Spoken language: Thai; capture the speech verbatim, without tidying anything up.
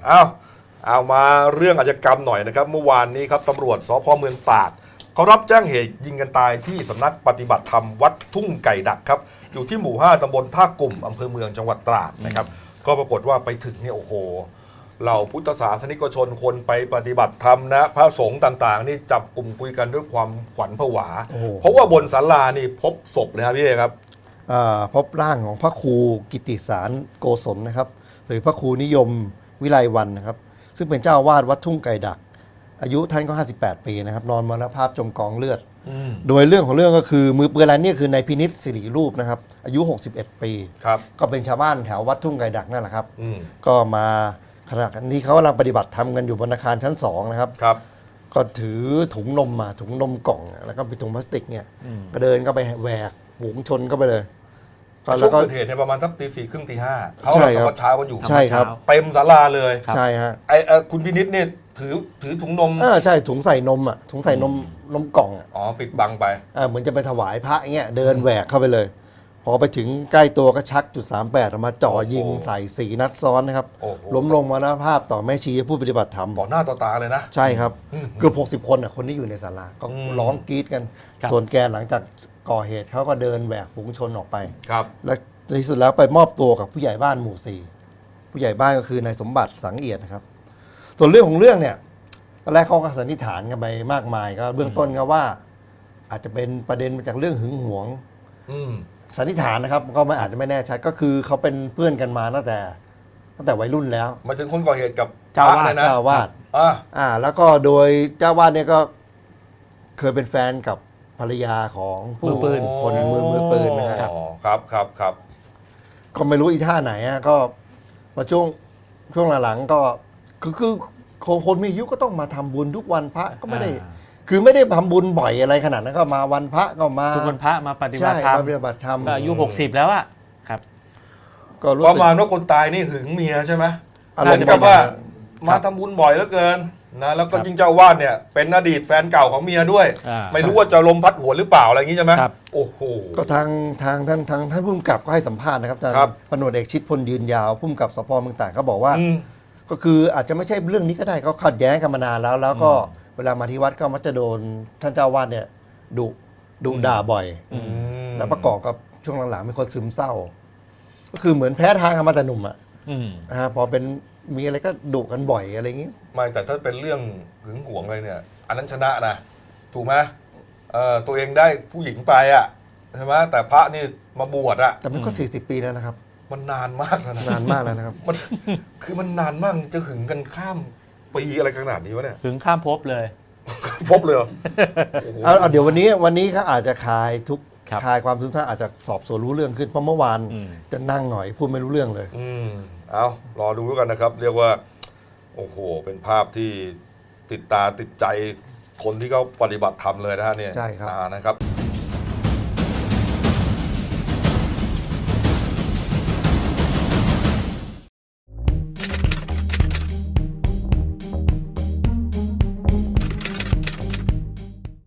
เอาเอามาเรื่องอาชญากรรมหน่อยนะครับเมื่อวานนี้ครับตำรวจสภ.เมืองตราดเขารับแจ้งเหตุยิงกันตายที่สำนักปฏิบัติธรรมวัดทุ่งไก่ดักครับอยู่ที่หมู่ห้าตำบลท่ากลุ่มอำเภอเมืองจังหวัดตราดนะครับก็ปรากฏว่าไปถึงเนี่ยโอ้โหเหล่าพุทธศาสนิกชนคนไปปฏิบัติธรรมนะพระสงฆ์ต่างๆนี่จับกลุ่มคุยกันด้วยความขวัญผวาเพราะว่าบนศาลานี่พบศพเลยครับพี่เอครับพบร่างของพระครูกิติสารโกศลนะครับหรือพระครูนิยมวิไลวรรณนะครับซึ่งเป็นเจ้าวาดวัดทุ่งไก่ดักอายุท่านก็ห้าสิบแปดปีนะครับนอนมรณภาพจมกองเลือดโดยเรื่องของเรื่องก็คือมือปืนรายนี้คือนายพินิจสิริรูปนะครับอายุหกสิบเอ็ดปีก็เป็นชาวบ้านแถววัดทุ่งไก่ดักนั่นแหละครับก็มาขณะนี้เขากำลังปฏิบัติธรรมกันอยู่บนอาคารชั้นสองนะครับก็ถือถุงนมมาถุงนมกล่องแล้วก็เป็นถุงพลาสติกเนี่ยก็เดินก็ไปแหวกฝูงชนก็ไปเลยช่วงเกิดเหตุในประมาณสักตีสี่ครึ่งตีห้าเขาตอนเช้ากันอยู่ใช่ครับเต็มศาลาเลยใช่ฮะไอ้คุณพินิจเนี่ยถือถือถุงนมอ่าใช่ถุงใส่นมอ่ะถุงใส่นมนมกล่องอ๋อปิดบังไปอ่าเหมือนจะไปถวายพระเงี้ยเดินแหวกเข้าไปเลยพอไปถึงใกล้ตัวก็ชักจุดสามแปดออกมาจ่อยิงใส่สี่นัดซ้อนนะครับล้มลงมรณภาพต่อแม่ชีผู้ปฏิบัติธรรมต่อหน้าต่อตาเลยนะใช่ครับเกือบหกสิบคนอ่ะคนที่อยู่ในศาลาก็ร้องกรี๊ดกันส่วนแกหลังจากก่อเหตุเขาก็เดินแหวกฝูงชนออกไปครับและในที่สุดแล้วไปมอบตัวกับผู้ใหญ่บ้านหมู่สี่ผู้ใหญ่บ้านก็คือนายสมบัติสังเอียดนะครับส่วนเรื่องของเรื่องเนี่ยตอนแรกเขาก็สันนิษฐานกันไปมากมายก็เบื้องต้นก็ว่าอาจจะเป็นประเด็นมาจากเรื่องหึงหวงสันนิษฐานนะครับก็ไม่อาจจะไม่แน่ชัดก็คือเขาเป็นเพื่อนกันมาตั้งแต่ตั้งแต่วัยรุ่นแล้วมาถึงคนก่อเหตุกับเจ้าวาดเจ้าวาดอ่าแล้วก็โดยเจ้าวาดเนี่ยก็เคยเป็นแฟนกับภรรยาของผู้ปืนคนมือมือปืนนะครับครับครับครับก็ไม่รู้อีท่าไหนอ่ะก็มาช่วงช่วงหลังๆก็คือคือคนมีอายุก็ต้องมาทำบุญทุกวันพระก็ไม่ได้คือไม่ได้ทำบุญบ่อยอะไรขนาดนั้นก็มาวันพระก็มาทุกวันพระมาปฏิบัติธรรมปฏิบัติธรรมก็อายุหกสิบแล้วอ่ะครับก็ประมาณว่าคนตายนี่หึงเมียใช่ไหมเหมือนกับว่ามาทำบุญบ่อยเหลือเกินนะแล้วก็ยิ่งเจ้าวาดเนี่ยเป็นอดีตแฟนเก่าของเมียด้วยไม่รู้ว่าจะลมพัดหัวหรือเปล่าอะไรอย่างนี้ใช่ไหมโอ้โหก็ทางทางท่านทางท่านผู้กำกับก็ให้สัมภาษณ์นะครับอาจารย์พลตำรวจเอกชิดพลยืนยาวผู้กำกับสพเมืองตราดเขาบอกว่าก็คืออาจจะไม่ใช่เรื่องนี้ก็ได้เขาขัดแย้งกันมานานแล้วแล้วก็เวลามาที่วัดก็มักจะโดนท่านเจ้าวาดเนี่ยดุดุด่าบ่อยแล้วประกอบกับช่วงหลังๆมีคนซึมเศร้าก็คือเหมือนแพ้ทางมาแต่หนุ่มอ่ะนะพอเป็นมีอะไรก็ดุกันบ่อยอะไรอย่างนี้ไม่แต่ถ้าเป็นเรื่องหึงหวงอะไรเนี่ยอันนั้นชนะนะถูกไหมเออตัวเองได้ผู้หญิงไปอ่ะใช่ไหมแต่พระนี่มาบวชอ่ะแต่มันก็สี่สิบปีแล้วนะครับมันนานมากแล้วนะนานมากแล้วนะครับมันคือมันนานมากจะหึงกันข้ามปีอะไรขนาดนี้วะเนี่ยหึงข้ามภพเลยภพเลยเอาเดี๋ยววันนี้วันนี้เขาอาจจะคลายทุกคลายความทุกข์ท่าอาจจะสอบสวนรู้เรื่องขึ้นเพราะเมื่อวานจะนั่งหน่อยพูดไม่รู้เรื่องเลยอืมเอารอดูกันนะครับเรียกว่าโอ้โหเป็นภาพที่ติดตาติดใจคนที่เขาปฏิบัติธรรมเลยนะฮะเนี่ยใช่ครับนะครับ